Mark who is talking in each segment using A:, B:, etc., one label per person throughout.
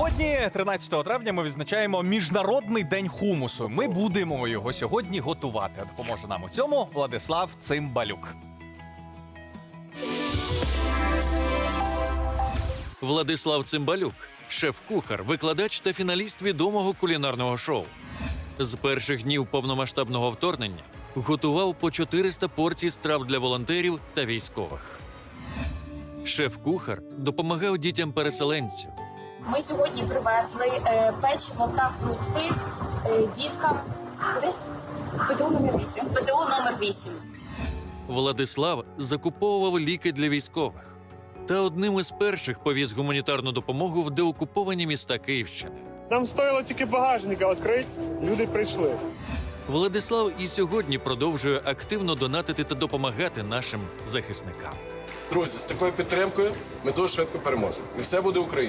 A: Сьогодні, 13 травня, ми відзначаємо Міжнародний день хумусу. Ми будемо його сьогодні готувати. А допоможе нам у цьому Владислав Цимбалюк.
B: Владислав Цимбалюк – шеф-кухар, викладач та фіналіст відомого кулінарного шоу. З перших днів повномасштабного вторгнення готував по 400 порцій страв для волонтерів та військових. Шеф-кухар допомагав дітям-переселенців.
C: Ми сьогодні привезли печиво та фрукти діткам. Куди? ПТУ номер 8. ПТУ номер 8.
B: Владислав закуповував ліки для військових. Та одним із перших повіз гуманітарну допомогу в деокуповані міста Київщини.
D: Нам стоїло тільки багажника відкрити, люди прийшли.
B: Владислав і сьогодні продовжує активно донатити та допомагати нашим захисникам.
E: Друзі, з такою підтримкою ми дуже швидко переможемо. І все буде Україна.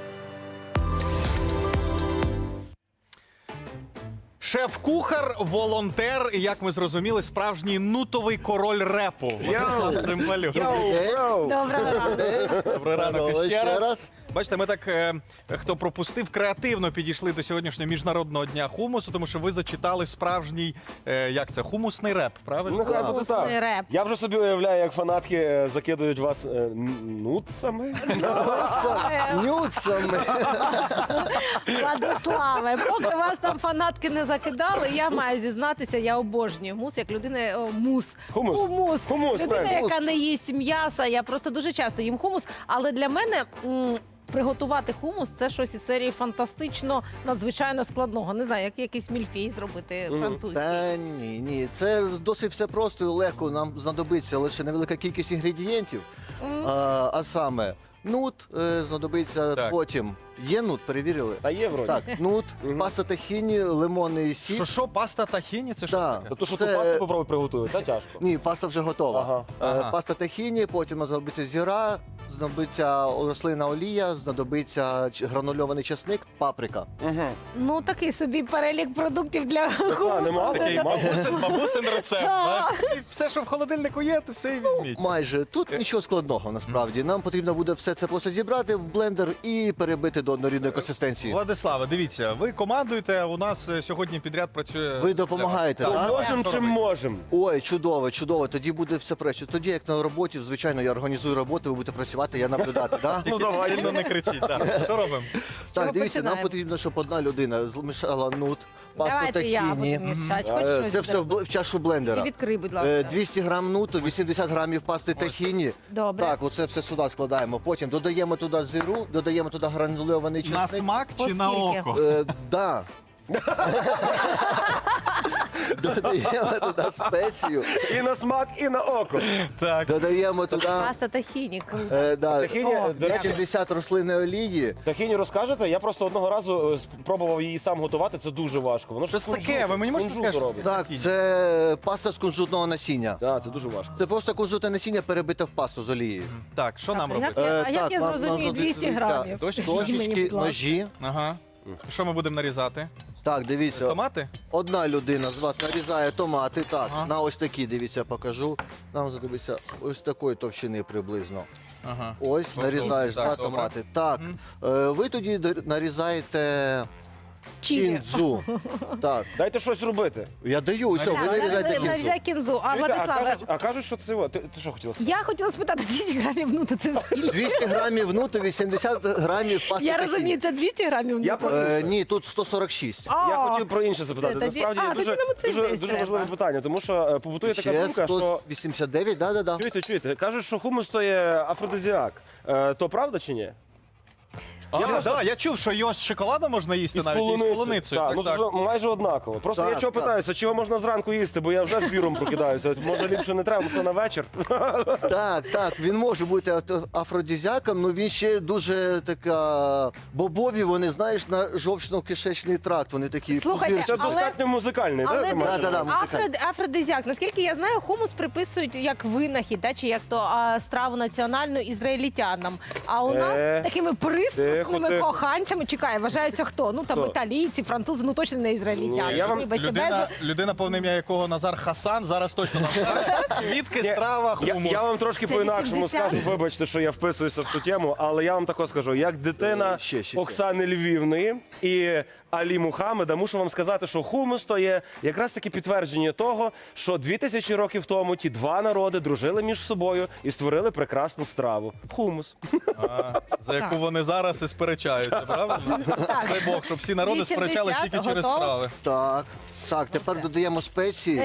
A: Шеф-кухар, волонтер і, як ми зрозуміли, справжній нутовий король репу. Владислав Цимбалюк.
F: Доброго ранку.
A: Добрий ранок
G: Здорово,
A: ще
G: ще
A: раз.
G: раз.
A: Бачите, ми так, хто пропустив, креативно підійшли до сьогоднішнього Міжнародного дня хумусу, тому що ви зачитали справжній, як це, хумусний реп, правильно?
D: Ну, хай буде
F: Вкусний
D: так.
F: реп.
D: Я вже собі уявляю, як фанатки закидують вас нутсами.
G: Нюцами.
F: Владиславе, поки вас там фанатки не закидали, я маю зізнатися, я обожнюю мус, як людина, мус.
D: Хумус. Хумус,
F: Людина,
D: правильно.
F: яка не їсть м'яса, я просто дуже часто їм хумус, але для мене приготувати хумус – це щось із серії фантастично, надзвичайно складного. Не знаю, як якийсь мільфей зробити французький.
G: Та ні. Це досить все просто і легко. Нам знадобиться лише невелика кількість інгредієнтів. А саме нут знадобиться
A: Так.
G: потім. Є нут, перевірили?
D: Та є вроді.
G: Так, нут, паста тахіні, лимонний сік.
A: Що, паста тахіні? Це що
G: Да.
A: таке?
D: То, що
G: Це-
D: ту пасту попробуй приготувати, це тяжко.
G: Ні, паста вже готова.
A: Ага.
G: Паста тахіні, потім знадобиться зіра, знадобиться рослинна олія, знадобиться гранульований часник, паприка.
F: Ну, такий собі перелік продуктів для хумусу.
D: нема
A: Такий
D: такий,
A: бабусин рецепт. знаєш. І все, що в холодильнику є, то все і візьміть.
G: Майже. Тут нічого складного, насправді. Нам потрібно буде все це просто зібрати в блендер і перебити до однорідної консистенції.
A: Владиславе, дивіться, ви командуєте, у нас сьогодні підряд працює...
G: Ви допомагаєте, так?
D: Можемо чим можемо.
G: Ой, чудово. Тоді буде все пречо. Тоді, як на роботі, звичайно, я організую роботу, ви будете працювати, я наблюдати, так?
A: Ну, давай, сильно не кричіть. Так. Що робимо?
G: Так, дивіться, нам
F: починаємо?
G: потрібно, щоб одна людина змішала нут, пасту
F: Давайте я
G: тахіні.
F: буду мішати. Хоч щось
G: Це все в чашу
F: Ти
G: блендера.
F: відкрий, будь ласка.
G: 200 грам нуту, 80 грамів пасти тахіні.
F: Добре.
G: Так, оце все сюди складаємо. Потім додаємо туди зиру, додаємо туди гранульований
A: На
G: чесник.
A: смак чи на
F: Оскільки?
A: око?
G: Да. Додаємо туди спецію,
D: І на смак, і на око.
A: Так.
G: додаємо туди
F: Паста тахіні, круто.
D: Тахіні, до речі,
G: 80 рослинної олії.
D: Тахіні розкажете? Я просто одного разу спробував її сам готувати, це дуже важко. Воно ж
A: Що це таке? Ви мені можете сказати,
D: робить.
G: Так, це паста з кунжутного насіння.
D: Так, це дуже важко.
G: Це просто кунжутне насіння перебите в пасту з олією.
A: Так, що нам
F: А як
A: робити?
F: я- а як я
G: нам
F: зрозумію 200
G: знадобиться
F: грамів?
A: Дощечки?
F: Мені,
G: Дощечки,
F: будь ласка.
G: ножі.
A: Ага. Що ми будемо нарізати?
G: Так, дивіться,
A: Томати?
G: одна людина з вас нарізає томати. Так,
A: Ага.
G: на ось такі, дивіться, покажу. Нам знадобиться ось такої товщини приблизно.
A: Ага.
G: Ось, нарізаєш
A: так,
G: на
A: добре.
G: томати. Так, ви тоді нарізаєте
F: Чилі.
G: кінзу. Так,
D: Дайте щось робити.
G: я даю, все, ви нарізаєте кінзу.
F: Нарізай кінзу. А,
D: Чуєте,
F: Владиславе,
D: а кажуть, що це... Ти що хотіла сказати?
F: я хотіла спитати, 200 грамів нуту це скільки?
G: 200 грамів нуту, 80 грамів пасти
F: Я
G: тахіні.
F: розумію, це 200 грамів нуту?
D: Я про-
G: Ні, тут 146.
D: Я хотів про інше запитати.
F: Це тоді-
D: Насправді
F: а, тоді нам оцей весь
D: дуже
F: треба.
D: важливе питання, тому що побутує така
G: Ще
D: думка, що
G: 189, да.
D: чуєте, кажуть, що хумус то є афродизіак. То правда чи ні?
A: Я чув, що його з шоколадом можна їсти навіть і з полуницею.
D: Так,
A: Так,
D: ну
A: так.
D: це ж майже однаково. Просто я
G: Так,
D: чого
G: так.
D: питаюся, чи його можна зранку їсти, бо я вже з біром прокидаюся. Може ліпше не треба, може на вечір.
G: Так, він може бути афродизіаком, але він ще дуже така бобові, вони, знаєш, на жовчно-кишечний тракт, вони такі
F: Слухайте,
G: пузирчасті.
D: Це достатньо музикальний,
F: Але
D: так?
G: Да.
F: афродизіак, наскільки я знаю, хумус приписують як винахід, чи як то страву національну ізраїльтянам. А у нас такими присмаками хумусними
D: тихо.
F: коханцями. Чекай, вважаються хто? Ну там
D: Хто?
F: італійці, французи, ну точно не ізраїльтяни.
D: Ні, я вам-
F: Вибачте,
A: Людина, повне ім'я якого Назар Хасан, зараз точно нам скаже, звідки страва
D: Я,
A: хумус.
D: я вам трошки
F: Це
D: по-інакшому
F: 80.
D: скажу, вибачте, що я вписуюся в ту тему, але я вам також скажу, як дитина
G: Ще.
D: Оксани Львівної і Алі Мухаммеда, мушу вам сказати, що хумус то є якраз таки підтвердження того, що 2000 років тому ті два народи дружили між собою і створили прекрасну страву. Хумус.
A: За яку вони зараз і сперечаються, правильно? Дай Бог, щоб всі народи
F: 80,
A: сперечались тільки через
F: готово?
A: страви.
G: Так, тепер додаємо спеції.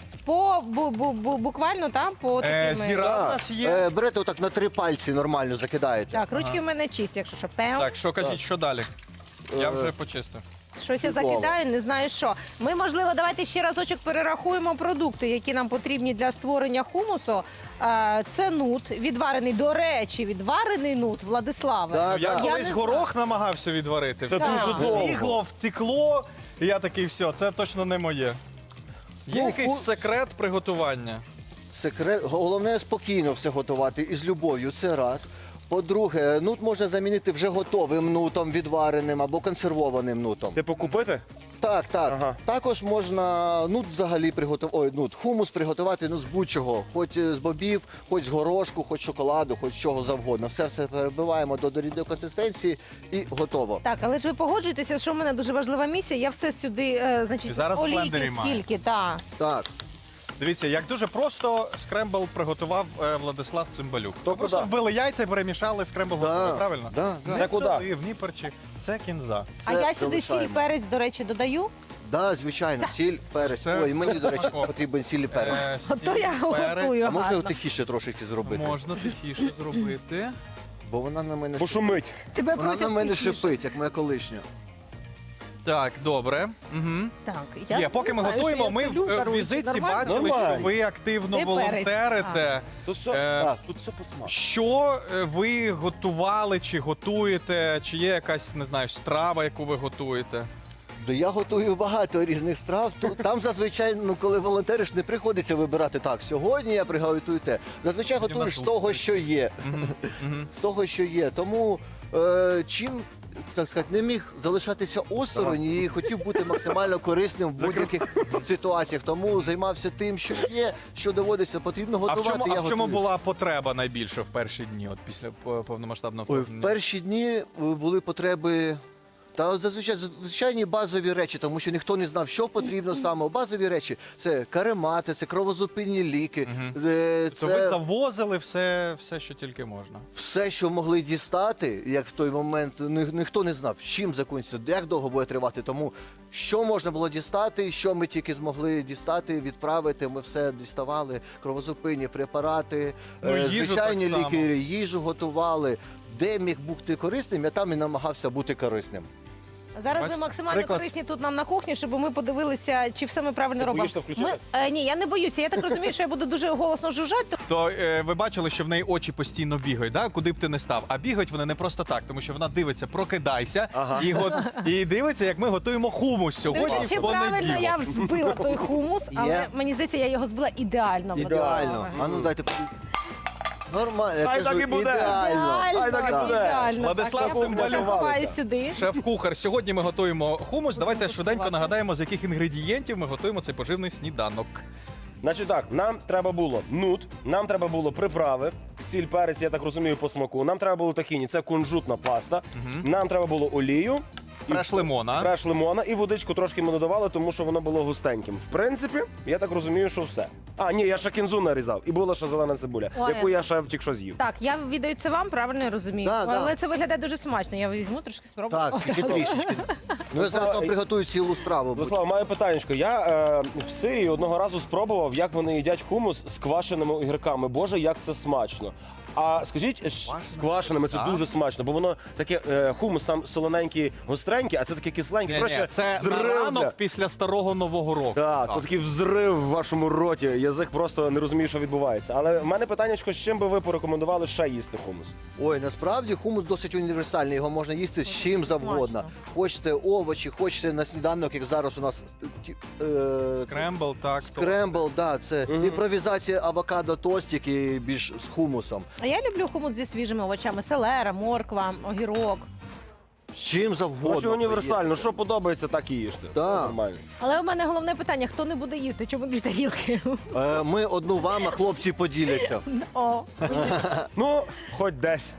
F: Буквально там по такими.
A: Зіра у нас є.
G: Берете отак на 3 пальці нормально закидаєте.
F: Так, ручки в мене чисті, якщо що. Пем.
A: Так, що кажіть, що далі? Я вже почистив.
F: Щось я
G: Чудово.
F: закидаю, не знаю що. Ми, можливо, давайте ще разочок перерахуємо продукти, які нам потрібні для створення хумусу. Це нут, відварений, до речі, відварений нут, Владиславе.
G: Да,
A: Я
G: да.
A: колись
F: не
A: горох намагався відварити.
D: Це
F: дуже
D: довго.
A: Втігло, втекло, і я такий, все, це точно не моє. Є
G: Ну,
A: якийсь секрет приготування?
G: Секрет, головне спокійно все готувати і з любов'ю, це раз. По-друге, нут можна замінити вже готовим нутом, відвареним або консервованим нутом.
D: Типу купити?
G: Так.
D: Ага.
G: Також можна нут взагалі приготувати, хумус приготувати з будь-чого. Хоч з бобів, хоч з горошку, хоч з шоколаду, хоч з чого завгодно. Все перебиваємо до рідної консистенції і готово.
F: Так, але ж ви погоджуєтеся, що в мене дуже важлива місія. Я все сюди, значить,
A: Ти зараз в
F: олійки
A: блендері маєш.
F: скільки, так.
G: Так.
A: Дивіться, як дуже просто скрембл приготував Владислав Цимбалюк.
D: То
A: Просто
D: куди?
A: вбили яйця і перемішали скрембл готовий, правильно?
G: Да.
D: Це куди?
A: Сюди, в Дніпрчі. Це кінза.
F: А я сюди сіль,
G: залишаємо.
F: перець, до речі, додаю.
G: Да, звичайно, сіль, перець.
F: Ну,
G: Ой, мені, до речі, потрібен сіль і перець.
F: Ото я готую
G: А можна
F: гарно.
G: тихіше трошки зробити?
A: Можна тихіше зробити.
G: Бо вона на мене
D: Пошумить.
F: Тебе
G: Вона на
F: просять
G: мене
F: тихіше.
G: шипить, як моя колишня.
A: Так, добре. Угу.
F: Так,
A: Є, поки ми
F: не знаю,
A: готуємо,
F: що
A: ми
F: я солю,
A: в
F: коротше,
A: візитці
F: нормально?
A: бачили,
D: Нормально.
A: що ви активно
F: І перець.
A: волонтерите.
D: Тут все,
A: Е,
D: тут все посмак.
A: Що ви готували чи готуєте? Чи є якась, не знаю, страва, яку ви готуєте?
G: Да я готую багато різних страв. Там зазвичай, коли волонтериш, не приходиться вибирати так. Сьогодні я приготую те. Зазвичай
A: Потім
G: готуєш з
A: нас
G: того,
A: лупить.
G: що є.
A: Мгм.
G: З того, що є. Тому чим, так сказати, не міг залишатися осторонь і хотів бути максимально корисним в будь-яких ситуаціях. Тому займався тим, що є, що доводиться, потрібно
A: А
G: готувати.
A: в чому,
G: я
A: а в чому
G: готую.
A: була потреба найбільше в перші дні, от після повномасштабного
G: Ой, в
A: вторгнення?
G: перші дні були потреби. Та зазвичай звичайні базові речі, тому що ніхто не знав, що потрібно саме. Базові речі це каремати, це кровозупинні ліки,
A: То ви
G: це
A: завозили все, що тільки можна.
G: все, що могли дістати, як в той момент ніхто не знав, з чим закінчиться, як довго буде тривати. Тому що можна було дістати, що ми тільки змогли дістати, відправити. Ми все діставали, кровозупинні препарати,
A: Ну, їжу
G: звичайні
A: так само.
G: ліки, їжу готували. Де міг бути корисним, я там і намагався бути корисним.
F: Зараз ви
A: Бачите?
F: максимально
A: Приклад.
F: корисні тут нам на кухні, щоб ми подивилися, чи все ми правильно
D: Ти
F: робимо.
D: боїшся включити?
F: Ні, я не боюся. Я так розумію, що я буду дуже голосно жужжати.
A: То ви бачили, що в неї очі постійно бігають, да? Куди б ти не став. А бігають вони не просто так, тому що вона дивиться, прокидайся, і дивиться, як ми готуємо хумус сьогодні
F: Дивіться, чи
A: в
F: правильно
A: понеділок.
F: я взбила той хумус, але
G: Є.
F: мені здається, я його збила ідеально.
G: Ідеально. А ну дайте подивіться. Нормально, я
D: Хай
G: кажу,
D: так і буде.
G: ідеально.
F: Ідеально,
D: так і буде.
F: ідеально.
A: Владислав
F: Так, я
A: Цимбалюк.
F: ховаю сюди.
A: Шеф-кухар, сьогодні ми готуємо хумус. Давайте швиденько нагадаємо, з яких інгредієнтів ми готуємо цей поживний сніданок.
D: Значить так, нам треба було нут, нам треба було приправи, сіль, перець, я так розумію, по смаку. Нам треба було тахіні, це кунжутна паста. Нам треба було олію. і
A: Фреш лимона.
D: Фреш лимона і водичку трошки ми додавали, тому що воно було густеньким. В принципі, я так розумію, що все. А, ні, я ще кінзу нарізав. І була ще зелена цибуля,
F: Ой.
D: яку я ще тільки що з'їв.
F: Так, я віддаю це вам, правильно я розумію.
G: Да, да.
F: Але це виглядає дуже смачно. Я візьму трошки спробую.
G: Так, тільки трішечки. Ну я зараз вам приготую цілу страву.
D: Владислав, маю питаннячко. Я в Сирії одного разу спробував, як вони їдять хумус з квашеними огірками. Боже, як це смачно. А скажіть, з квашеними це
A: Так.
D: дуже смачно, бо воно таке хумус сам солоненький, гостренький, а це таке кисленьке.
A: Ні, це на
D: зрив,
A: ранок
D: да.
A: після старого нового року.
D: Так, то такий взрив в вашому роті. Язик просто не розуміє, що відбувається. Але в мене питаннячко, з чим би ви порекомендували ще їсти хумус?
G: Ой, насправді хумус досить універсальний, його можна їсти з чим завгодно.
F: Смачно.
G: Хочете овочі, хочете на сніданок, як зараз у нас
A: Скрембл, так.
G: скрембл, да, це імпровізація авокадо тост, який більш з хумусом.
F: А я люблю хумус зі свіжими овочами: селера, морква, огірок.
G: чим завгодно.
D: Може універсально, що подобається, так і їжте.
G: Так.
D: Нормально.
F: Але у мене головне питання: хто не буде їсти? Чому 2 тарілки?
G: Ми одну вам, а хлопці поділяться.
F: О,
D: Ну, хоч десь.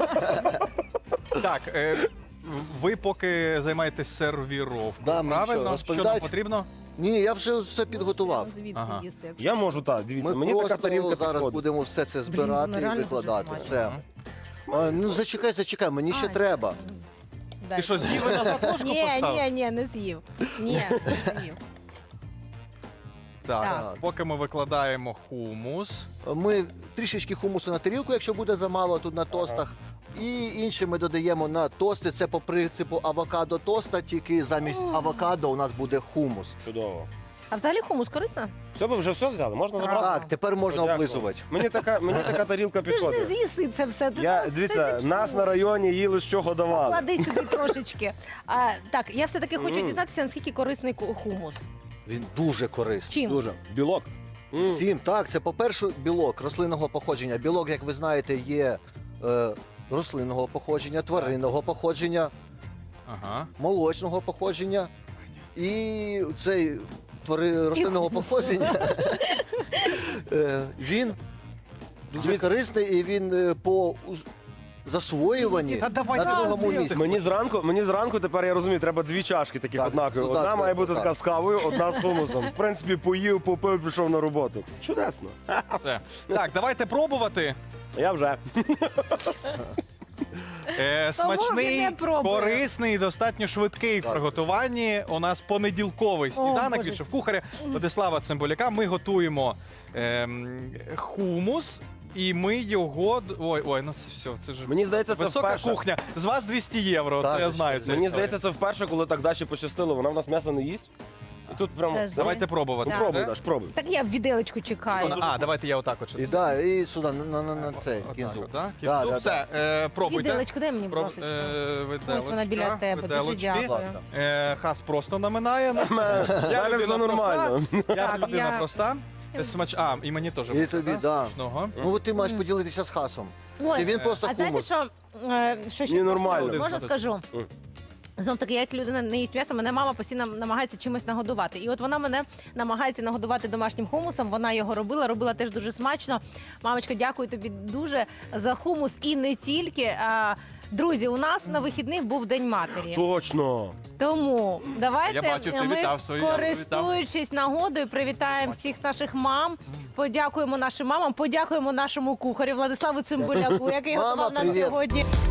A: Так, ви поки займаєтесь сервіровкою,
G: Да, ми що,
A: правильно? Що нам
G: розповідають?
A: потрібно?
G: Ні, я вже все підготував.
F: звідси
A: Ага.
F: їсти.
D: Я можу, так, дивіться,
G: Ми
D: мені така
G: просто
D: тарілка
G: зараз
D: підходить.
G: будемо все це збирати
F: ну
G: і
F: реально
G: викладати.
F: дуже
G: Все. Ну зачекай, мені ще
F: Ай.
G: треба.
A: Ти що, з'їв і назад ложку
F: Ні,
A: поставив?
F: ні, не з'їв. Ні, не з'їв.
A: Так,
F: Так.
A: поки ми викладаємо хумус.
G: Ми трішечки хумусу на тарілку, якщо буде замало тут на тостах. І інше ми додаємо на тости. Це по принципу авокадо тоста, тільки замість авокадо у нас буде хумус.
D: Чудово.
F: А взагалі хумус корисно?
D: Все, ви вже все взяли? Можна забрати?
G: Так, тепер можна
D: Дякую.
G: облизувати.
D: Мені така тарілка
F: Ти ж не
D: підходить.
F: з'їси це все. Ти
D: Я,
F: зараз
D: дивіться,
F: все зіпсуєш.
D: нас на районі їли, з чого давали.
F: Клади сюди трошечки. Так, я все-таки хочу дізнатися, наскільки корисний хумус.
G: Він дуже корисний.
F: Чим?
D: Дуже. Білок.
G: Всім, так, це по-перше білок рослинного походження. Білок, як ви знаєте, є рослинного походження, тваринного походження,
A: Ага.
G: молочного походження. І цей рослинного походження, він дуже корисний і він по засвоюванні
A: Та давай,
G: на
A: давай,
G: другому
A: давай.
G: місці.
D: Мені зранку тепер я розумію, треба 2 чашки таких
G: Так,
D: однакові.
G: ну,
D: Одна
G: так,
D: має
G: так,
D: бути
G: так.
D: така з кавою, одна з хумусом. В принципі, поїв, попив, пішов на роботу. Чудесно.
A: Все. Так, давайте пробувати.
D: Я вже.
A: Смачний,
F: не пробує.
A: корисний і достатньо швидкий в приготуванні. У нас понеділковий сніданок
F: Боже.
A: від шеф-кухаря Владислава Цимбаляка. Ми готуємо хумус. І ми його. Ой, ну це все. Це ж
D: Мені здається, це
A: висока
D: вперше.
A: кухня. З вас 200 євро.
G: Так,
A: Це я знаю. цю
D: Мені
A: історію.
D: здається, це вперше, коли так Даші пощастило. Вона в нас м'ясо не їсть. І тут прямо.
F: Це ж-
A: Давайте пробувати.
F: Так.
D: Пробуй,
A: Де?
D: Даш, пробуй.
F: Так я в віделечку чекаю.
A: А, давайте я отак от.
G: І, да, і сюди, на цей
A: Отак
G: кінзу.
A: от, да?
G: Да,
A: Ну,
G: да,
A: все, пробуйте.
F: Віделечку дай мені, будь ласка. Ось вона біля тебе. Дуже
A: виделочки.
F: дякую.
A: Хас просто наминає. Я
D: Далі
A: людина
D: все нормально.
A: проста. Я
F: Так,
A: людина
F: я-
A: проста. І мені теж.
G: І
A: буде,
G: тобі,
A: да?
G: да.
A: Смачного.
G: Ну от ти маєш поділитися з хасом.
F: Ой,
G: І він просто
F: а знаєте,
G: хумус.
F: що ще
D: Ні, нормально.
F: можна скажу?
D: Мгм.
F: Знов таки, я як людина не їсть м'ясо, мене мама постійно намагається чимось нагодувати. І от вона мене намагається нагодувати домашнім хумусом. Вона його робила теж дуже смачно. Мамочка, дякую тобі дуже за хумус. І не тільки. Друзі, у нас на вихідних був День матері.
D: Точно.
F: Тому давайте
A: Я бачу, ти
F: ми,
A: вітав свою, я
F: користуючись нагодою, привітаємо всіх наших мам. Подякуємо нашим мамам, подякуємо нашому кухарю Владиславу Цимбаляку, який
G: Мама,
F: готував нам
G: привіт.
F: сьогодні